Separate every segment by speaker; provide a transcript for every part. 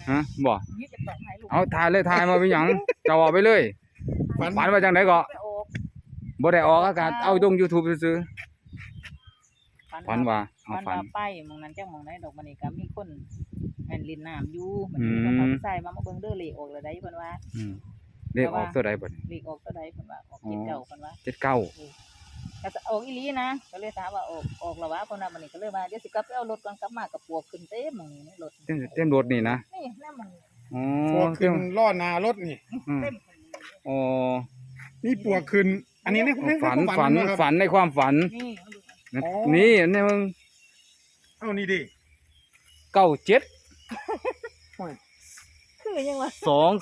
Speaker 1: ฮะบ่
Speaker 2: ยี่จะต้องให้ลูก
Speaker 1: เอาถ่ายเลยถ่ายมาเป็นหยังจะออกไปเลยฝันว่าจังไดก็
Speaker 2: ไปออก
Speaker 1: บ่ได้ออกอากาศเอาลง YouTube ซื่อๆฝันว่าเอา
Speaker 2: ฝัน
Speaker 1: ฝัน
Speaker 2: ว่าไปหมองนั้นจังหมองไหนดอกมันนี่ก็มีคนแม่นลินน้ำอยู่มันมีคนทำใส่มาเบิ่งเด้อเลขออกแล้วได้เพิ่นว่า
Speaker 1: อืมเลขออกตัวใดบ่นี่
Speaker 2: เลขออกตัวใดเพิ่นว่าออกเจ็ดเก้าเพิ่นว่า
Speaker 1: 79
Speaker 2: ก็จะออกอีหลีนะก็เลยถามว่าออกแล้ววะเพิ่นว่ามันนี่ก็เลยว่าเดี๋ยวสิกลับไปเอารถก่อนกลับมากับปวกขึ้นเต็มหมองนี้ในรถ
Speaker 1: เต็มรถนี่นะ
Speaker 2: นี่แม่หมองนี้
Speaker 1: อ๋อ
Speaker 3: ปวกขึ้นล้อหน้ารถนี่
Speaker 1: อืม
Speaker 2: เต็มหม้องนี้
Speaker 1: อ๋อ
Speaker 3: นี่ปวกขึ้น อันนี้ใน
Speaker 1: ฝัน
Speaker 3: ความนะครับ
Speaker 1: ฝันในความฝัน
Speaker 2: นี่มาดู
Speaker 1: นะ
Speaker 3: อ๋อ
Speaker 1: นี่นี่มึง
Speaker 3: เอ้านี่ดิ
Speaker 1: 97
Speaker 2: คือยังวะ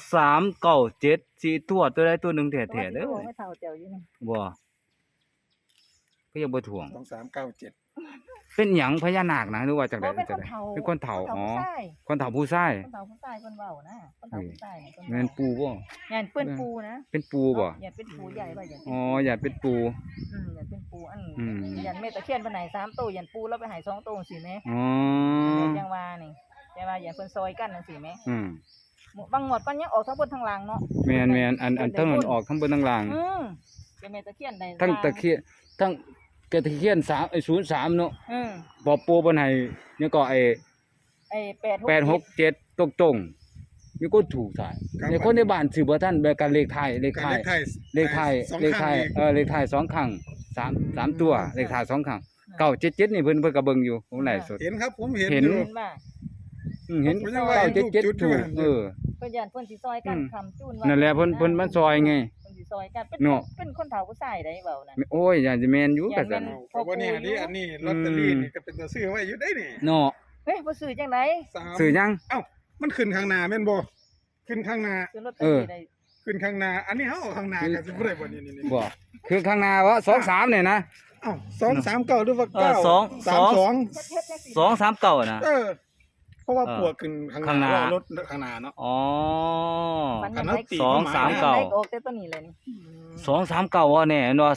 Speaker 1: 2397สี่ตัวตัวใดตัวหนึงแท้ๆเด้อ
Speaker 2: ไม่เท่าเจ้าอยู่นี่
Speaker 1: บ่ก็ยังบ่ถ่วง
Speaker 3: 2397
Speaker 1: เป็นหยังพญานาคนะหรือว่าจังได๋
Speaker 2: เป็น
Speaker 1: จั
Speaker 2: ค
Speaker 1: ง
Speaker 2: น
Speaker 1: ได๋
Speaker 2: เฒ่า
Speaker 1: เป็นคนเฒ่าอ๋อ
Speaker 2: คนเฒ่าผู้ชาย
Speaker 1: คนเฒ่าผู้ชาย
Speaker 2: คนเฒ่าผู้ชายเพิ่นเว้านะคนเฒ่าผู้ชายเนี่ยเพิ่น
Speaker 1: แม่นปูบ่
Speaker 2: อย่าเป็นปูนะ
Speaker 1: เป็นปูบ่
Speaker 2: อย่าเป็นปูใหญ่ว่าอย่าเป็น
Speaker 1: อ๋ออย่าเป็นปู
Speaker 2: อย่าเป็นปูอัน
Speaker 1: อืม
Speaker 2: ยันเมตะเคียนไปไหน3ตัวยันปูแล้วไปหาย2ตัวสิแม่
Speaker 1: อ๋อ
Speaker 2: จังว่านี่แต่ว่าอย่าเพิ่นซอยกันจังซี่แม่
Speaker 1: อืม
Speaker 2: บางงวดปันยังออกทั้งบนทั้งล่างเนาะ
Speaker 1: แม่นอันทั้งนั้นออกทั้งบนทั้งล่าง
Speaker 2: เป็นเมตะเคียนได้
Speaker 1: ทั้งตะเคียนทั้งตะเคียน3ไอ้03เนาะ
Speaker 2: ม
Speaker 1: บ่ปูเพิ่นให้เนี่ยก็ไอ้
Speaker 2: ไอ้
Speaker 1: 867ตรงๆมีคนถูกถ่ายในคนในบ้านซื้อบ่ทันแบบกันเลขท้ายเลขท้าย เลขท้ายเลขท้ายเลขท้าย2ครั้ง3ตัวเลขท้าย2ครั้ง977นี่เพิ่นก็เบิ่งอยู่ผมไลฟ์สด
Speaker 3: เห็นครับผมเห็น
Speaker 1: เห็น
Speaker 3: อยู่
Speaker 2: เห็นว่า
Speaker 1: เห็น
Speaker 3: ผมยังว่าเห็นถูกจุด
Speaker 1: 977ถูก
Speaker 3: อยู่
Speaker 2: เพิ่นยันเพิ่นสิซอยกันคำจูนว่า
Speaker 1: นั่นแหละเพิ่นมันซอยไง
Speaker 2: เพิ่นสิซอยกันเป็น
Speaker 1: เนาะ
Speaker 2: เป็นคนเฒ่าผู้ชายได้เว้านั่น
Speaker 1: โอ้ยอยากจะแม่นอยู่ก็ซั่น
Speaker 3: เพราะว่าเนี่ยอันนี้ลอตเตอรี่นี่ก็เป็นตัวซื้อไว้อยู่ได้นี่
Speaker 1: เนาะ
Speaker 2: เฮ้ยบ่ซื้อจังได๋
Speaker 1: ซื้อยัง
Speaker 3: เอ้ามันขึ้นข้างหน้าแม่นบ่ขึ้นข้างหน้า
Speaker 2: ซื้อลอตเตอรี่ได้
Speaker 3: ขึ้นข้างหน้าอันนี้เฮาเอาข้างหน้าก็สิบ่ได้บ่นี่
Speaker 1: บ่คือข้างหน้าว่า23เนี่ยนะ
Speaker 3: เอ้า239หรือว่า
Speaker 1: เออ
Speaker 3: 9 32
Speaker 2: เฮ็ดจังซี่
Speaker 1: 239น่ะ
Speaker 3: เพราะว่าปวกขึ้นข้างหน้ารถข้างหน้าเนาะ
Speaker 1: อ๋อ
Speaker 2: มันยังได้
Speaker 1: สองสามเก้า
Speaker 2: ออกแต่ตัวนี้เลยนี่
Speaker 1: 239ว่าแน่เนาะ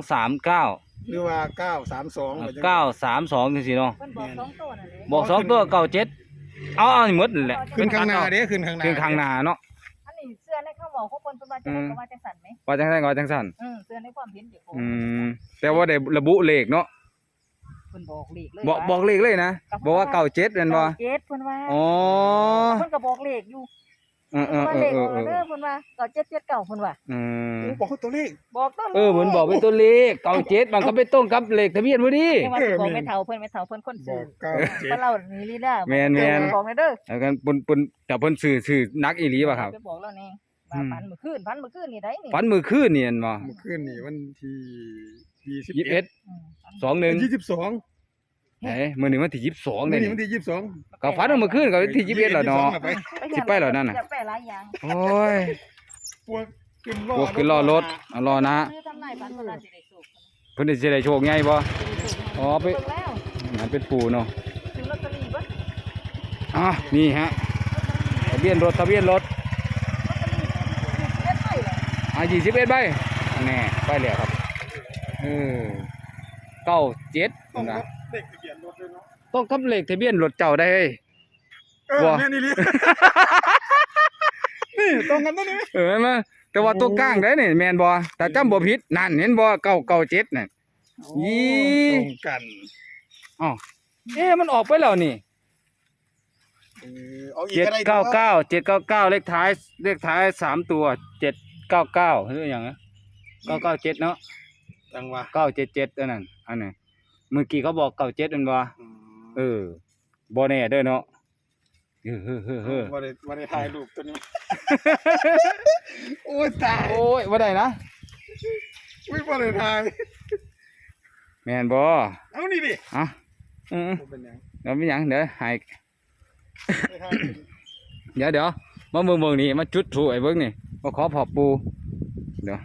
Speaker 1: 239
Speaker 3: หรือว่า932
Speaker 1: 932จังซี่เนาะ
Speaker 2: เพิ่นบอก2ตัวนั่นแหละ
Speaker 1: บอก2ตัว97เอาหมดนั่นแหละ
Speaker 3: ขึ้นข้างหน้าเด้ขึ้นข้างหน้า
Speaker 1: ขึ้นข้างหน้าเนาะ
Speaker 2: อันนี้เสื้อในข้างบอกของเพิ่นเพิ่นว่าจังได๋ก็ว่าจังซั่นไหม
Speaker 1: ว่าจังได๋ก็ว่าจังซั่น
Speaker 2: เสื้อในความเห็นเจ้าของ
Speaker 1: อืมแต่ว่าได้ระบุเลขเนาะ
Speaker 2: เพิ่นบอกเลขเลย
Speaker 1: บอกเลขเลยนะบอกว่า97แม่นบ่
Speaker 2: เจ็ดเพิ่นว่า
Speaker 1: อ๋อ
Speaker 2: เพิ่นก็บอกเลขอยู่
Speaker 1: เออ
Speaker 2: เพิ่นว่าเลขออกแล้วเด้อเพิ่นว่า9779เพิ่นว่า
Speaker 1: อืม
Speaker 3: บอกตัวเลข
Speaker 2: บอกต้น
Speaker 1: เหมือนบอกเป็นตัวเลข97มันก็ไปตรงกับเลขทะเบียนพอดี
Speaker 2: จังว่าสิบอกไม่เฒ่าเพิ่นคน
Speaker 3: บ
Speaker 2: ซื้
Speaker 3: อ
Speaker 2: อก
Speaker 3: เก้าเจ็ด
Speaker 2: เพิ่นเล่านี่ลีลา
Speaker 1: แม่น
Speaker 2: บอกให้เด้อ
Speaker 1: แล้วกันปนแต่เพิ่นซื้อนักอีหลีป่ะครับ
Speaker 2: ไปบอกแล้วนี่ว่าฝันเมื่อคืนนี่ได้นี่
Speaker 1: ฝันมื้อคืนนี่เห็นบ่
Speaker 3: เมื่อคืนนี่วันที่
Speaker 1: 21
Speaker 3: 21
Speaker 2: ฝัน
Speaker 1: 21
Speaker 3: 22
Speaker 1: เฮ้ยมื้อนี้วันที่22
Speaker 3: นี่
Speaker 1: นี่
Speaker 3: วันที่22
Speaker 1: ก็ฝันว่ามื้อคืนก็วันที่21แล้วเนาะ
Speaker 3: ไป
Speaker 1: สิไปแล้วนั่นน่ะ
Speaker 2: จะไปหลายอย่าง
Speaker 1: โอ้ย
Speaker 3: พวกขึ้น
Speaker 1: พวกคือรอรถเอารอนะ
Speaker 2: ซื้อทำไรฝันเพิ่นว่าสิได้สุข
Speaker 1: เพิ่นสิได้โชคใหญ่บ่อ๋อไป
Speaker 2: เบิ่งแล้ว
Speaker 1: นั่นเป็นปู่เนาะ
Speaker 2: ซื้อลอตเตอรี่บ่
Speaker 1: อ่ะนี่ฮะทะเบียนรถ
Speaker 2: ลอตเตอรี่เล่นไปเลย
Speaker 1: 21ใบแน่ไปแล้วครับ97
Speaker 3: ต้อง
Speaker 1: นะ
Speaker 3: รับเด็กทะเบียนรถด้วยเนาะ
Speaker 1: ต้องกับเลขทะเบียนรถเจ้าได้เฮ้ย บ่
Speaker 3: แม่นี่ลินี่ตรงกันตัวนี้
Speaker 1: มาแต่ว่าตัวกลางได้นี่แม่นบ่แต่จำบ่ผิดนั่นเห็นบ่997น่ะ ยี่
Speaker 3: ตรงกัน
Speaker 1: อ้าวมันออกไปแล้วนี่
Speaker 3: เอาอีกก็ได้
Speaker 1: 799เลขท้าย3ตัว799หรือหยังนะ997เนาะ
Speaker 3: จังหวะ
Speaker 1: 977อันนั้นเมื่อกี้เขาบอก97นั่นบ่บ่แน่เด้อเนาะเฮ้อ
Speaker 3: ว่าได้ถ่ายรูปตัวนี้ โอ้ยตาย
Speaker 1: โอ้ยบ่ได้นะ
Speaker 3: ไม่ว่าได้ถ่าย
Speaker 1: แม่นบ่
Speaker 3: เอานี่ดิ
Speaker 1: อ่ะ
Speaker 3: เป็นยัง
Speaker 1: แล้วมีหยังเดี๋ยวให้
Speaker 3: ได้ถ่าย
Speaker 1: เดี๋ยวมาเบิ่งนี่มาจุดถูไอ้เบิ่งนี่มาขอพอปูเดี๋ยว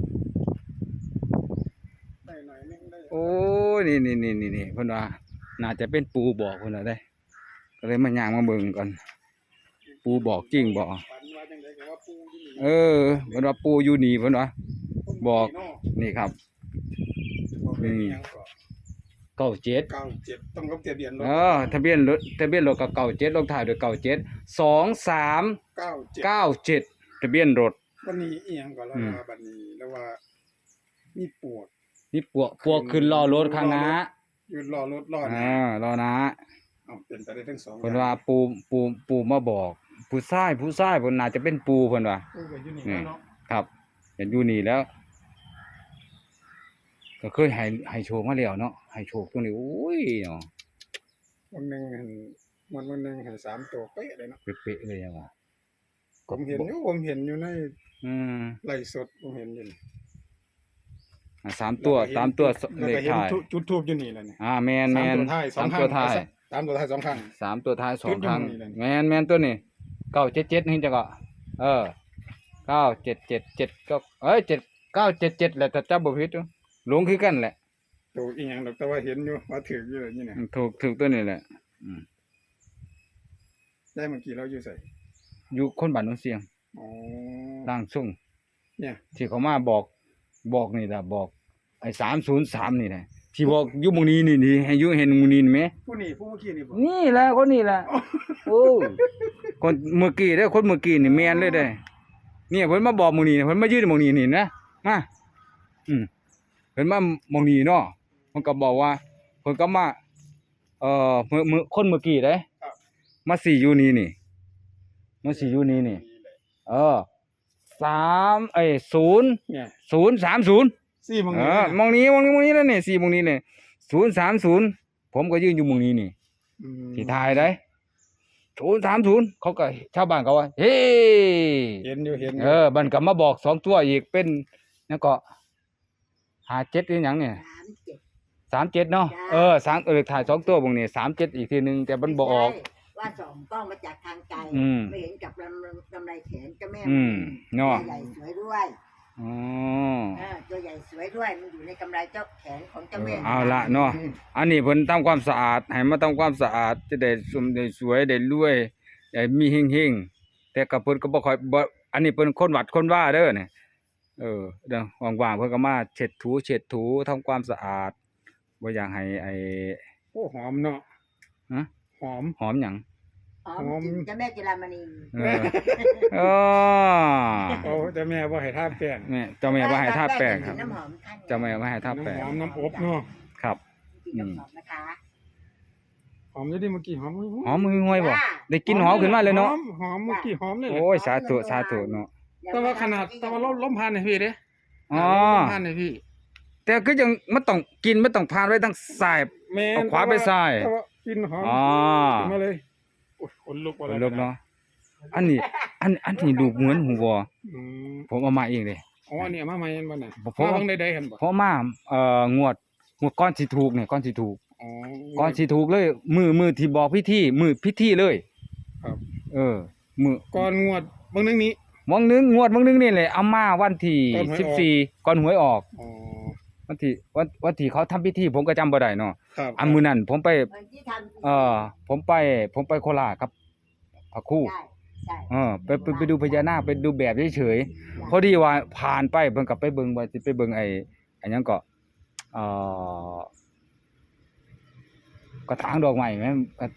Speaker 3: ได้หน่อยนึงได้
Speaker 1: โอ้ยนี่เพิ่นว่าน่าจะเป็นปูบอกเพิ่นน่ะได้ก็เลยมาย่างมาเบิ่งก่อนปูบอกจริงบ่
Speaker 3: ฝันว่าจังได๋ก็ว่าปูอยู่นี่
Speaker 1: เเพิ่นว่าปูอยู่นี่เพิ่นว่าบอกนี่ครับ
Speaker 3: บอกเป็นหยังก็
Speaker 1: เก้าเจ็ด
Speaker 3: 97ต้องกับทะเบียนรถ
Speaker 1: ทะเบียนรถก็เก้าเจ็ดลงท้ายด้วยเก้าเจ็ด2397ทะเบียนรถ
Speaker 3: วันนี้อีหยังก็แล้วว่าบัดนี้แล้วว่ามีปวก
Speaker 1: นี่ปวกขึ้นล้อรถข้างหน้า
Speaker 3: อยู่รอรถรอด
Speaker 1: ล้อหน้า
Speaker 3: เอาเป็นไปได้ทั้งสอง
Speaker 1: เพิ่นว่าปูมาบอกผู้ชายเพิ่นน่าจะเป็นปูเพิ่นว่า
Speaker 3: ก็อยู่นี่แล้วเนาะ
Speaker 1: ครับเห็นอยู่นี่แล้ว ก็เคยให้โชคมาแล้วเนาะให้โชคตรงนี้โอ้ยเนาะ
Speaker 3: วันหนึงเห็นวันหนึงให้3ตัวเป๊ะเลยเนาะ
Speaker 1: เป๊ะๆเลยอะว่า
Speaker 3: ผมเห็นอยู่ใน
Speaker 1: อืม
Speaker 3: ไลฟ์สดผมเห็นอยู่นี่
Speaker 1: สามตัว
Speaker 3: แล้ว
Speaker 1: เลข
Speaker 3: ก็เห็น
Speaker 1: ท้าย
Speaker 3: จุดทูบอยู่นี่แหละนี่
Speaker 1: แม่น
Speaker 3: สามตัวท้ายสอง
Speaker 1: สาม
Speaker 3: ครั้ง
Speaker 1: ตัวท้าย
Speaker 3: สามตัวท้ายสองครั้ง
Speaker 1: สามตัวท้ายสองครั้ง
Speaker 3: จุดอยู่นี่แหละ
Speaker 1: แม่นตัวนี้977นี่จังก็9777ก็7977แหละถ้าจำบ่ผิดหลงคือกันแหละ
Speaker 3: ตัวอีหยังดอกแต่ว่าเห็นอยู่ว่าถืออยู่นี่นะ
Speaker 1: ถูกตัวนี้แหละ
Speaker 3: ได้เมื่อกี้เราอยู่ใส่
Speaker 1: อยู่คนบ้านโนนเสียง
Speaker 3: อ๋อ
Speaker 1: ร่างทรง
Speaker 3: เนี่ย
Speaker 1: ที่เขามาบอกนี่ล่ะบอกไอ้303นี่แหละที่บอกอยู่หมู่นี้นี่ให้อยู่เห็นหมู่นี้ไหม
Speaker 3: ผู้เมื่อกี้นี่บ่
Speaker 1: นี่แหละคนนี้แหละโอ้คนเมื่อกี้เด้อคนเมื่อกี้นี่แม่นเลยเด้อเนี่ยเพิ่นมาบอกหมู่นี้เพิ่นมายืนหมู่นี้นี่นะมาเพิ่นมาหมู่นี้เนาะเพิ่นก็บอกว่าเพิ่นก็มามื้อคนเมื่อกี้เด้มาสิอยู่นี่นี่มาสิอยู่นี่นี่0
Speaker 3: เนี่ย
Speaker 1: 030
Speaker 3: สี่โมง
Speaker 1: มองนี้แล้วนี่4มองนี้เลย030ผมก็ยืนอยู่หมู่นี้นี่ที่ถ่ายได้030เขาก็ชาวบ้านเขาว่าเฮ้
Speaker 3: เห็นอยู่
Speaker 1: มันก็มาบอก2ตัวอีกเป็นแล้วก็57อีหยังเนี่ย37เนาะเลขท้าย2ตัวบางนี่37อีกทีนึงแต่มันบ่ออก
Speaker 4: ว่าส่องกล้องมาจากทางไกลไม่เห็นกับลำไรแขนเจ้าแม่
Speaker 1: เนาะ
Speaker 4: ตัวใหญ่สวยด้วย
Speaker 1: อ๋อ
Speaker 4: ตัวใหญ่สวยด้วยมันอยู่ในกำไรเจ้าแขนของเจ้าแม่
Speaker 1: เอาละเนาะอันนี้เพิ่นทำความสะอาดให้มาทำความสะอาดจะได้สมได้สวยได้รวยได้มีเฮงๆแต่ก็เพิ่นก็บ่ค่อยบ่อันนี้เพิ่นคนวัดคนว่าเด้อเนี่ยเด้อว่างๆเพิ่นก็มาเช็ดถูทำความสะอาดบ่อยากให้
Speaker 3: โอ้หอมเนาะหอม
Speaker 1: หอมหยัง
Speaker 4: เจ้าแม่จิรามณี
Speaker 1: โอ้
Speaker 3: แต่แม่บ่ให้ทาแป้ง
Speaker 1: แม่เจ้าแม่บ่ให้ทาแป้งครับ
Speaker 4: น้ำหอมท่าน
Speaker 1: เจ้าแม่บ่ให้ทาแป้ง
Speaker 3: น้ำหอมน้ำอบเนาะ
Speaker 1: ครับ
Speaker 4: น้ำหอมนะคะ
Speaker 3: หอมอยู่ดิเมื่อกี้หอม
Speaker 1: หอมห่วยบ่ได้กลินหอมขึ้นมาเลยเนาะ
Speaker 3: หอมเมื่อกี้หอมเลย
Speaker 1: โอ้ยสาธุเนาะ
Speaker 3: แต่ว่าขนาดแต่ว่าล้มพันให้พี่เด้
Speaker 1: อ๋อ
Speaker 3: ล้มพันให้พี่
Speaker 1: แต่ก็ยังมันต้องกินมันต้องผ่านไว้ทั้งซ้าย
Speaker 3: แม่
Speaker 1: เอาขวาไปซ้าย
Speaker 3: แต่ว่ากินหอมมาเลยโอ้ยขนลุก
Speaker 1: ลูกเนาะอันนี้ลูกเหมือนหูวัว ผมเอามาเองเลย
Speaker 3: อ๋ออันนี้มาใหม่บ่น่ะ
Speaker 1: เพราะ
Speaker 3: มาเบิ่งได้ๆเห็นบ่
Speaker 1: เพราะมางวดก่อนสิถูกเนี่ยก่อนสิถูก
Speaker 3: อ๋อ
Speaker 1: ก่อนสิถูกเลยมือที่บอกพิธีมือพิธีเลย
Speaker 3: ครับ
Speaker 1: มือ
Speaker 3: ก่อนงวดเบิ่งนึงนี้
Speaker 1: งวดนึงนี่แหละเอามาวันที่14ก่อนหวยออก
Speaker 3: อ๋อ
Speaker 1: วันที่เขาทำพิธีผมก็จำบ่ได้เนาะ
Speaker 3: ครับ
Speaker 1: อันมื้อนั้นผมไป
Speaker 4: ที่ทำ
Speaker 1: ผมไปโคราชครับพระครู
Speaker 4: ใช่
Speaker 1: ไปดูพญานาคไปดูแบบเฉยๆพอดีว่าผ่านไปเพิ่นก็ไปเบิ่งว่าสิไปเบิ่งไอ้หยังก็กระถางดอกไม้แม่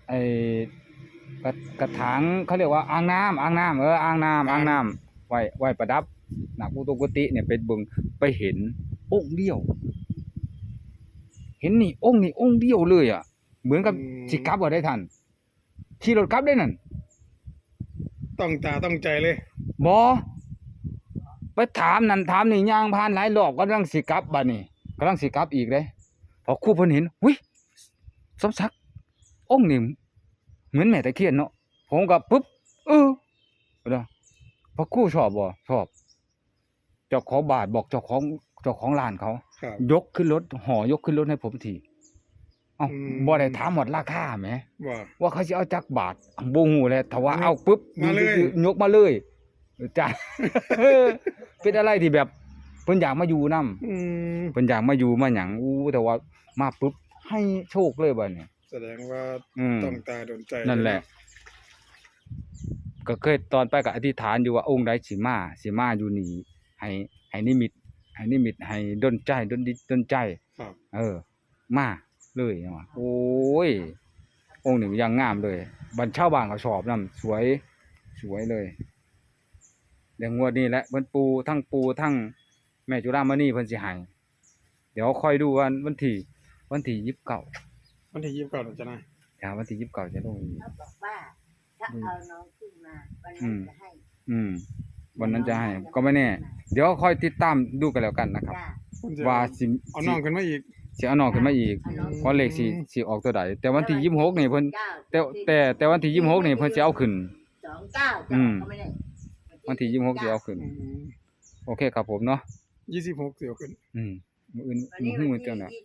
Speaker 1: กระถางเขาเรียกว่าอ่างน้ำอ่างน้ำไว้ประดับหน้ากุฏิเนี่ยไปเบิ่งไปเห็นองค์เดียว เห็นนี่องค์เดียวเลยอ่ะเหมือนกับสิกลับบ่ได้ทันขี่รถกลับได้นั่น
Speaker 3: ต้องตาต้องใจเลย
Speaker 1: บ่ไปถามนั่นถามนี่ย่างผ่านหลายรอบกำลังสิกลับบัดนี้กำลังสิกลับอีกเด้พอครูเพิ่นเห็นหุ้ยสมศักดิ์องค์นี่เหมือนแม่ตะเคียนเนาะผมก็ปึ๊บเด้อพอครูชอบบ่ชอบเจ้าของบาทบอกเจ้าของร้านเขา
Speaker 3: ครับ
Speaker 1: ยกขึ้นรถยกขึ้นรถให้ผมทีเอ้าบ่ได้ถามหมดราคาแหม ว่าเขาสิเอาจักบาทบ่ฮู้แหละถ้าว่าเอาปึ๊บ
Speaker 3: มาเลย
Speaker 1: ยกมาเลยจ้ะ เป็นอะไรที่แบบเพิ่นอยากมาอยู่นำเพิ่นอยากมาอยู่มาหยังแต่ว่ามาปึ๊บให้โชคเลยบัดนี้
Speaker 3: แสดงว่าต้องตาโดนใจ
Speaker 1: นั่นแหละ ก็เคยตอนไปก็อธิษฐานอยู่ว่าองค์ใดสิมาอยู่นี่ให้นิมิตให้ดลใจดลใจ
Speaker 3: ครับ
Speaker 1: มาเลยจังว่าโอ้ยองค์นี้ยังงามเลยบรรชาวบ้านเขาชอบนำสวยสวยเลยเดี๋ยวงวดนี้แหละเพิ่นปูทั้งแม่จุฬามณีเพิ่นสิให้เดี๋ยวคอยดูวันที่29
Speaker 3: วันที่29เราจะได้
Speaker 1: วันที่29จะลงอีก
Speaker 4: เขาบอกว่าถ้าเอาน้องขึ้นมาวัน
Speaker 1: อื
Speaker 4: นั้น
Speaker 1: ม
Speaker 4: จะให้
Speaker 1: วันนั้นจะให้ก็ไม่แน่ เดี๋ยวคอยติดตามดูกันแล้วกันนะครับ
Speaker 4: จ้า
Speaker 3: ผมจะ
Speaker 1: ว่าสิ
Speaker 3: เอาน้องขึ้นมาอีก
Speaker 1: สิเอาน้องขึ้นมาอีก
Speaker 4: เอาน้อง
Speaker 1: เพราะเลขสิออกตัวใดแต่วันที่26นี่เพิ่น
Speaker 4: เก้า
Speaker 1: แต่วันที่26นี่เพิ่นสิเอาขึ้น
Speaker 4: 29
Speaker 1: อืม
Speaker 4: ก็ไม่ได้
Speaker 1: วันที่26สิเอาขึ้น โอเคครับผมเนาะ
Speaker 3: 26เสียวขึ้น
Speaker 1: มื้ออื่น
Speaker 4: วันนี้
Speaker 1: มื้อ
Speaker 4: วัน
Speaker 1: เจ้า
Speaker 4: ที่
Speaker 1: น่ะ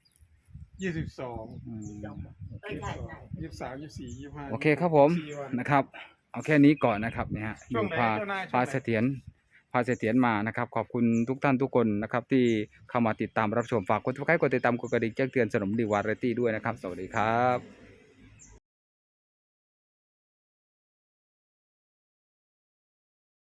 Speaker 3: 22
Speaker 1: อืม
Speaker 4: ใช่ใช่
Speaker 3: 23 24 25
Speaker 1: โอเคครับผม
Speaker 3: 4วัน
Speaker 1: นะครับ เอาแค่นี้ก่อนนะครับเนี่ยฮะ
Speaker 3: ช่วงไหน
Speaker 1: พา
Speaker 3: เจ้านายช่วงไหน
Speaker 1: พาเสถียรมานะครับ ขอบคุณทุกท่านทุกคนนะครับ ที่เข้ามาติดตามรับชมฝากกดติดตามกดกระดิ่งแจ้งเตือนสนมดีวาไรตี้ด้วยนะครับ สวัสดีครับ